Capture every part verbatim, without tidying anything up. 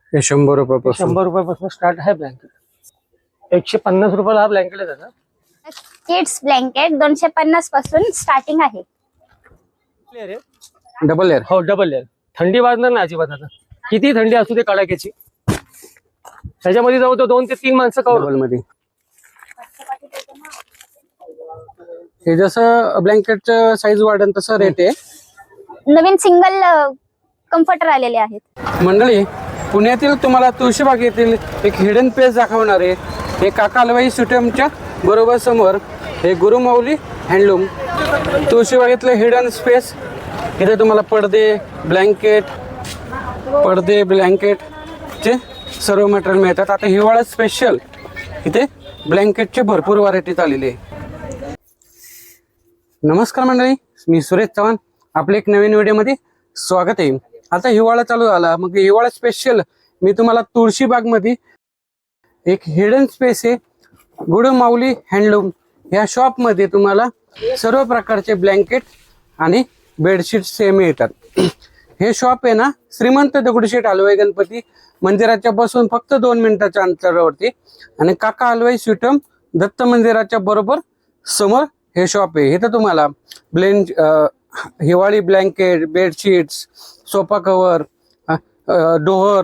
हे शंभर रुपयापासून शंभर रुपयापासून स्टार्ट आहे ब्लँकेट। एकशे पन्नास रुपयाला हा ब्लँकेट आहे दादा। किड्स ब्लँकेट दोनशे पन्नास पासून स्टार्टिंग आहे। लेअर आहे, डबल लेअर। हो डबल लेअर। थंडी वाजणार नाही अजिबात आता, किती थंडी असू दे कडाक्याची। त्याच्यामध्ये जाऊ तर दोन ते तीन माणसं कवर डबल मध्ये हे जसं ब्लँकेटचं साईज वाढेल तसं रेट आहे। नवीन सिंगल कम्फर्टर आलेले आहेत। मंडळी, पुण्यातील तुम्हाला तुळशीबाग येथील एक हिडन प्लेस दाखवणार आहे। हे काका हलवाई सुटेमच्या बरोबर समोर हे गुरुमाऊली हँडलूम तुळशीबागेतलं हिडन स्पेस। इथे तुम्हाला पडदे, ब्लँकेट, पडदे ब्लँकेटचे सर्व मटेरियल मिळतात। आता हिवाळा स्पेशल इथे ब्लँकेटचे भरपूर व्हरायटी आलेली आहे। नमस्कार मंडळी, मी सुरेश चव्हाण, आपले एक नवीन व्हिडिओमध्ये स्वागत आहे। आता हिवाळा चालू झाला, मग हिवाळा स्पेशल मी तुम्हाला तुळशीबागमध्ये एक हिडन स्पेस आहे गुरुमाऊली हँडलूम ह्या शॉपमध्ये तुम्हाला सर्व प्रकारचे ब्लँकेट आणि बेडशीट सेम मिळतात। हे शॉप आहे ना श्रीमंत दगडूशेठ हलवाई गणपती मंदिराच्या बसून फक्त दोन मिनिटाच्या अंतरावरती आणि काका हलवाई स्वीटम दत्त मंदिराच्या बरोबर समोर हे शॉप आहे। इथं तुम्हाला ब्लेंड हिवाळी blanket, bedsheets, sofa cover, door,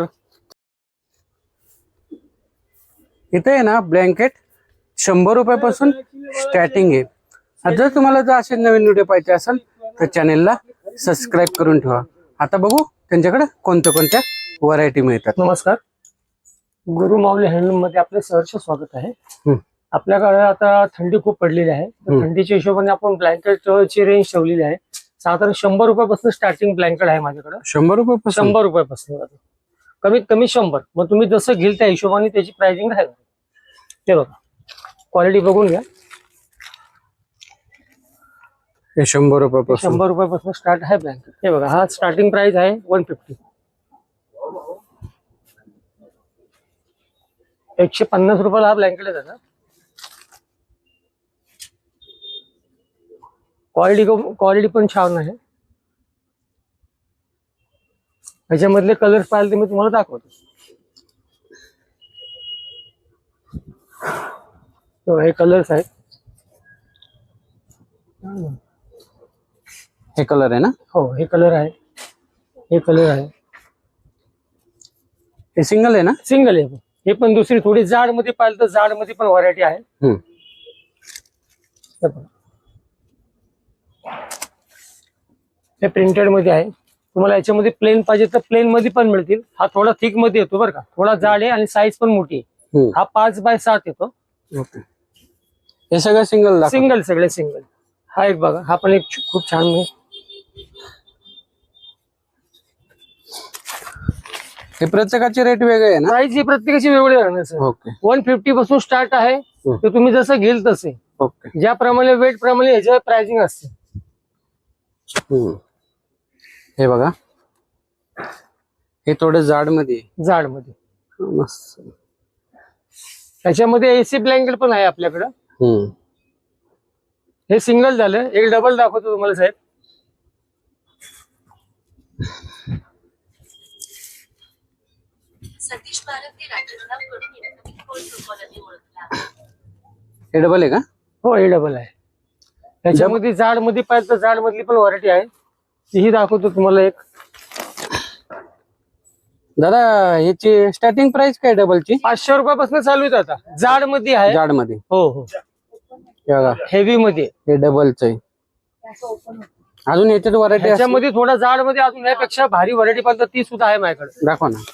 इथे आहे ना ब्लँकेट शंभर रुपयापासून स्टार्टिंग आहे। जर तुम्हाला जर असे नवीन व्हिडिओ पाहिजे असेल तर चॅनेलला सबस्क्राईब करून ठेवा। आता बघू त्यांच्याकडे कोणत्या कोणत्या व्हरायटी मिळतात। नमस्कार, गुरुमाऊली हँडलूम मध्ये आपले सहर्ष स्वागत आहे। हम्म. आपल्याकडे आता थंडी खूप पडलेली आहे, तर थंडीच्या हिशोबाने आपण ब्लँकेटची रेंज ठेवलेली आहे। साधारण शंभर रुपयापासून स्टार्टिंग ब्लँकेट आहे माझ्याकडे। शंभर रुपयापासून शंभर रुपयापासून कमीत कमी शंभर। मग तुम्ही जसं घेईल त्या हिशोबाने त्याची प्राइसिंग राहील। ते बघा, क्वालिटी बघून घ्या। हे शंभर रुपयापासून शंभर रुपयापासून स्टार्ट आहे ब्लँकेट। हे बघा, हा स्टार्टिंग प्राइस आहे वन फिफ्टी। एकशे पन्नास रुपयाला हा ब्लँकेट आहे दादा। क्वालिटी क्वालिटी पण छान आहे। ह्याच्यामधले कलर्स पाहिले तर मी तुम्हाला दाखवतो। तो हे कलर्स आहेत। हे कलर आहे ना? हो, हे कलर आहे, हे कलर आहे। हे सिंगल आहे ना? सिंगल आहे। हे पण दुसरी थोडी जाड मध्ये पाहिलं तर जाड मध्ये पण व्हरायटी आहे। हम्म. हे बघा, हे प्रिंटेड मध्ये आहे। तुम्हाला याच्यामध्ये प्लेन पाहिजे तर प्लेन मध्ये पण मिळतील। हा थोडा थिक मध्ये येतो बरं का, थोडा जाड आहे आणि साईज पण मोठी आहे। हम्म. हा पाच बाय सात येतो। ओके, हे सगळं सिंगल दाखव। सिंगल, सगळे सिंगल। हा एक बघा, हा पण एक खूप छान आहे। हे प्रत्येकाचे रेट वेगळे आहे ना? प्राइस ही प्रत्येकाची वेगळी राहणार सर। ओके वन फिफ्टी पासून स्टार्ट आहे, तर तुम्ही जसं घेईल तसे, ओके। ज्याप्रमाणे वेट प्रमाणे याच्यावर प्राइसिंग असते। हम्म. हे बघा, हे थोडं जाड मध्ये जाड मध्ये। मस्त। त्याच्यामध्ये एसी ब्लँकेट पण आहे आपल्याकडं। हम्म. हे सिंगल झालं, एक डबल दाखवतो तुम्हाला साहेब। हे डबल आहे का? हो, हे डबल आहे। त्याच्यामध्ये जाड मध्ये पाहिजे तर जाड मधली पण व्हरायटी आहे, तीही दाखवतो तुम्हाला एक। दादा, ह्याची स्टार्टिंग प्राइस काय डबलची? पाचशे रुपयापासून चालू आहे आता। जाड मध्ये आहे। जाड मध्ये? हो हो। हे बघा, हेवी मध्ये हे डबलच आहे। अजून याच्यात व्हरायटी त्याच्यामध्ये थोडा जाड मध्ये अजून यापेक्षा भारी व्हरायटी पाहिजे तर ती सुद्धा आहे माझ्याकडे। दाखवा ना।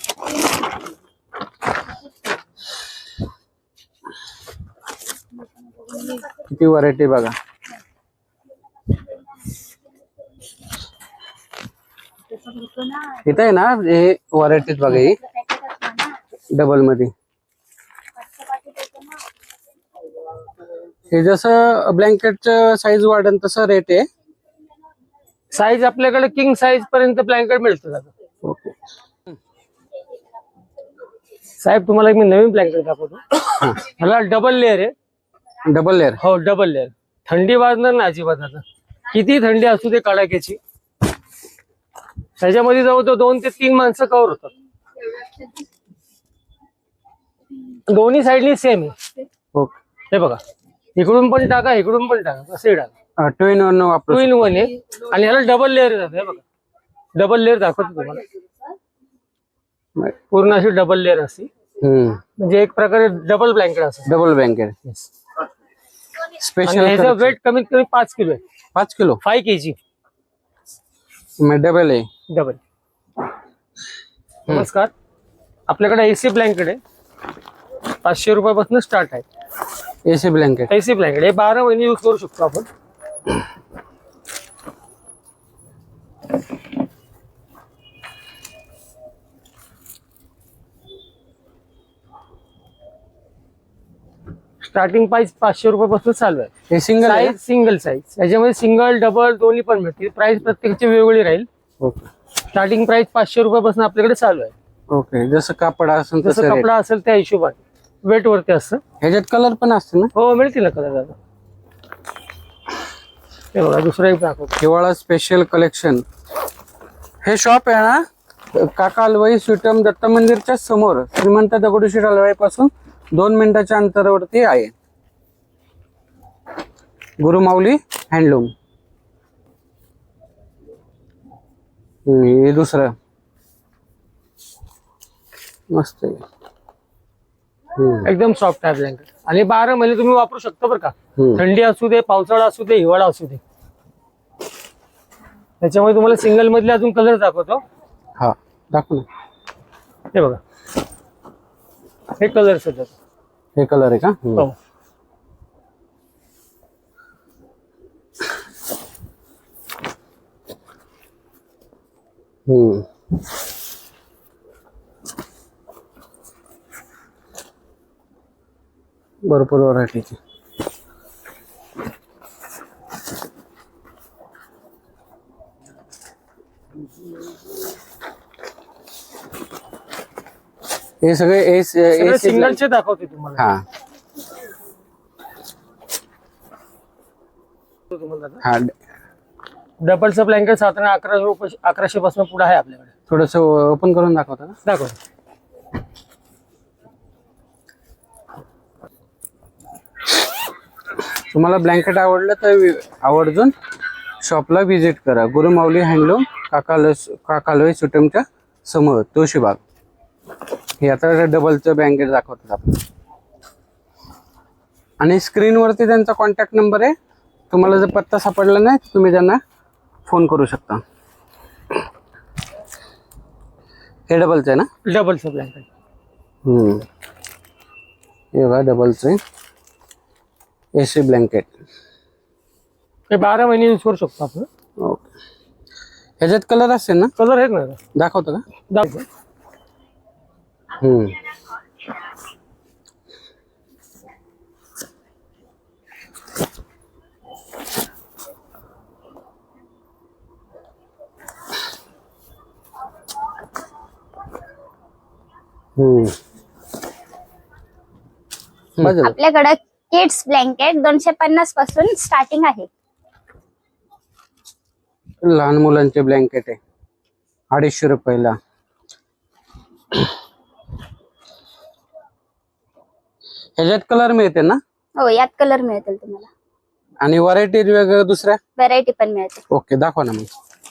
किती व्हरायटी बघा। इथे आहे ना हे व्हरायटीज बघा, ही डबल मध्ये। हे जसं ब्लँकेटचं साईज वाढेल तसं रेट आहे। साईज आपल्याकडे किंग साईज पर्यंत ब्लँकेट मिळतं दादा। ओके साहेब, तुम्हाला एक मी नवीन ब्लँकेट दाखवतो। ह्याला डबल लेअर आहे। Double layer? हो, डबल लेअर। थंडी वाजणार नाही अजिबात आता, किती थंडी असू दे कडाक्याची। त्याच्यामध्ये जाऊ तर दोन ते तीन माणसं कव्हर होतात। दोन्ही साईडनी सेम आहे. ओके हे बघा, इकडून पण टाका, इकडून पण टाका, कसंही टाका. टू इन वन वापरू टू इन वन आहे आणि याला डबल लेअर येतात. हे बघा, डबल लेअर दाखवतो तुम्हाला. पूर्ण अशी डबल लेअर असते, हम्म म्हणजे एक प्रकारे डबल ब्लँकेट असतं. Double blanket special. ह्याचं वेट कमीत कमी पाच किलो आहे. पाच kilo five K G double आहे. डबल. नमस्कार, आपल्याकडे एसी ब्लँकेट आहे, पाचशे रुपयापासून स्टार्ट आहे. एसी ब्लँकेट एसी ब्लँकेट हे बारा महिने यूज करू शकतो आपण. स्टार्टिंग प्राइस पाचशे रुपयापासून चालू आहे. हे सिंगल आहे. साईज सिंगल साईज, याच्यामध्ये सिंगल डबल दोन्ही पण मिळतील. प्राइस प्रत्येकाची वेगवेगळी राहील. ओके स्टार्टिंग प्राइस पाचशे रुपयापासून आपल्याकडे चालू आहे. ओके जसं कापड असेल जसं तसं rate. कपडा असेल त्या हिशोबाने वेट वरती असतं. ह्याच्यात कलर पण असते ना. हो मिळतील ना कलर दादा. हे बघा, दुसरा एक दाखवतो. हिवाळा स्पेशल कलेक्शन. हे शॉप आहे ना काका हलवाई स्वीटम दत्त मंदिरच्या समोर श्रीमंत दगडूशेठ हलवाई पासून दोन मिनिटाच्या अंतरावरती आहे. गुरुमाऊली हँडलूम. हे दुसरं मस्त आहे. हम्म, एकदम सॉफ्ट आहे ब्लँकेट आणि बारा महिने तुम्ही वापरू शकता बरं का. हम्म. थंडी असू दे, पावसाळा असू दे, हिवाळा असू दे. त्याच्यामुळे तुम्हाला सिंगल मधले अजून कलर दाखवतो. हा दाखव ना. हे बघा, हे कलर सध्या. हे कलर आहे का. हम्म. हो, हम्म भरपूर व्हरायटीची. हे सगळे एस सगळे सिंगलचे दाखवते तुम्हाला. हा तुम्हाला दादा. हा डबलचं ब्लँकेट साधारण अकरा रुपये अकराशे पासून पुढे आहे आपल्याकडे. थोडस ओपन करून दाखवता का. दाखव. तुम्हाला ब्लँकेट आवडलं तर आवर्जून शॉपला व्हिजिट करा. गुरुमाऊली हँडलूम काकाल काकालवाई सुटमच्या समोर तुळशीबाग. हे आता डबलचं ब्लँकेट दाखवतात आपल्याला आणि स्क्रीनवरती त्यांचा कॉन्टॅक्ट नंबर आहे. तुम्हाला जर पत्ता सापडला नाही तर तुम्ही त्यांना फोन करू शकता. हे डबलचं आहे ना. डबलचं ब्लँकेट. हम्म हे बघा डबलचं आहे एसी ब्लँकेट. हे बारा महिने यूज करू शकतो आपण. ओके ह्याच्यात कलर असेल ना. कलर आहेत ना. दाखवतो का. दाखव. हम्म हम्म बाजूला. आपल्याकडे किड्स ब्लँकेट दोनशे पन्नास पासून स्टार्टिंग आहे. लहान मुलांचे ब्लँकेट आहे अडीचशे रुपयाला. ह्याच्यात कलर मिळते ना. हो, यात कलर मिळतील तुम्हाला. आणि व्हरायटी वेगळ्या दुसऱ्या. व्हरायटी पण मिळते. ओके दाखवा ना मग.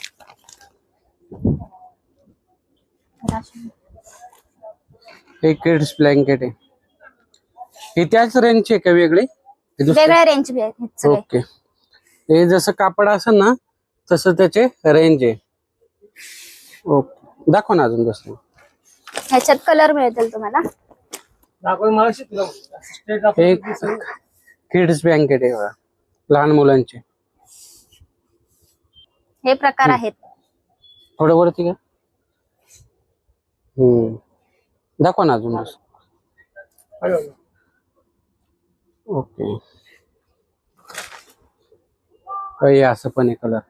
हे किड्स ब्लँकेट आहे. ही त्याच रेंजची आहे का वेगळी. हे दुसरी? वेगळ्या रेंज आहेत सगळे. ओके हे जसं कापड असेल ना तसं त्याचे रेंज आहे. ओके दाखवा ना अजून दुसरं. ह्याच्यात कलर मिळतील तुम्हाला. दाखव मला शिकलो. स्ट्रेट दाखव. एक किड्स ब्लँकेट आहे बघा, लहान मुलांचे. हे प्रकार आहेत. थोडं वरती का. हम्म दाखवा ना अजून दुसरं. ओके हे असं पण आहे कलर.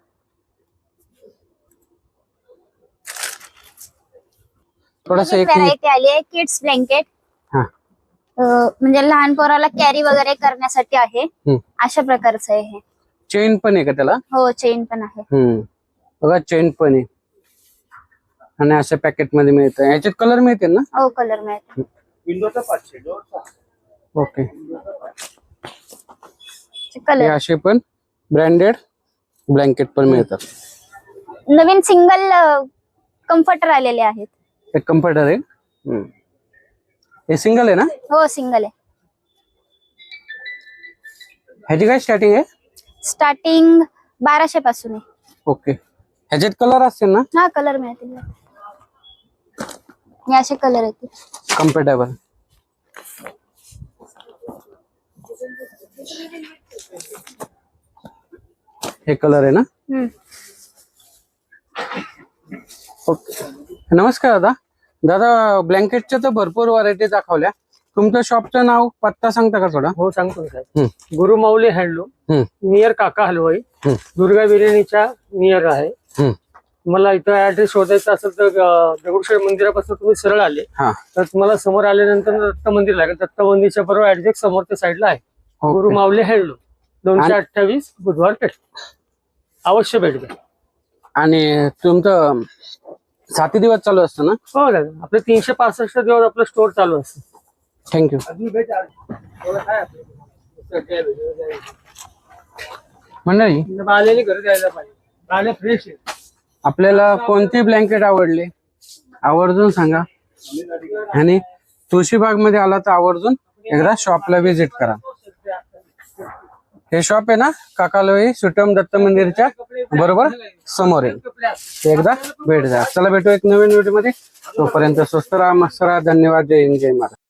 थोडस एक व्हरायटी आली आहे किड्स ब्लँकेट. हा म्हणजे लहान पोराला कॅरी वगैरे करण्यासाठी आहे. हम्म. अशा प्रकारचं आहे हे. चेन पण आहे का त्याला. हो, चेन पण आहे. हम्म बघा चेन पण आहे आणि अशा पॅकेट मध्ये मिळतं. याच्यात कलर मिळते ना. हो, कलर मिळते. ओके, हे कलर असे पण ब्रँडेड ब्लँकेट पण मिळतात. नवीन सिंगल कम्फर्टर आलेले आहेत. एक कम्फर्टर आहे. हम्म. हे सिंगल आहे ना? हो सिंगल आहे. ह्याची काय स्टार्टिंग आहे? स्टार्टिंग बाराशे पासून आहे. ओके, ह्याच्यात कलर असतील ना? हा कलर मिळतील. हे असे कलर येतील. कम्फर्टेबल. हे कलर आहे ना? हम्म. ओके, नमस्कार दादा. दादा ब्लँकेटच्या तर भरपूर व्हरायटी दाखवल्या. तुमच्या शॉपचं नाव पत्ता सांगता का थोडा? हो सांगतो ना साहेब. हम्म. गुरुमाऊली हँडलूम, हम्म. नियर काका हलवाई, हम्म. दुर्गा बिर्याणीच्या नियर आहे. हम्म. तुम्हाला इथं ऍड्रेस शोधायचा असेल तर अं, दगडूशेठ मंदिरापासून तुम्ही सरळ आले हा. तर तुम्हाला समोर आल्यानंतर दत्त मंदिर लागेल. दत्त मंदिरच्या बरोबर ऍड्रेस समोरच्या साईडला आहे. ओके. गुरुमाऊली हँडलूम, दोनशे आणि- अठ्ठावीस बुधवार पेठ. अवश्य भेट द्या. आणि तुमचं साती दिवस चालू असतं ना? हो दादा, आपलं तीनशे पासष्ट दिवस आपलं स्टोर चालू असतं. थँक्यू. मंडळी, आलेली घरी द्यायला पाहिजे. आले फ्रेश आहे. आपल्याला कोणती ब्लँकेट आवडली आवर्जून सांगा. आणि तुळशीबाग मध्ये आला तर आवर्जून एकदा शॉपला व्हिजिट करा. हे शॉप आहे ना काकालोई सुटम दत्त मंदिरच्या बरोबर समोर आहे. एकदा भेट द्या. चला भेटू एक नवीन व्हिडिओ मध्ये. तोपर्यंत स्वस्त राहा, मस्त राहा. धन्यवाद. जय हिंद, जय महाराज.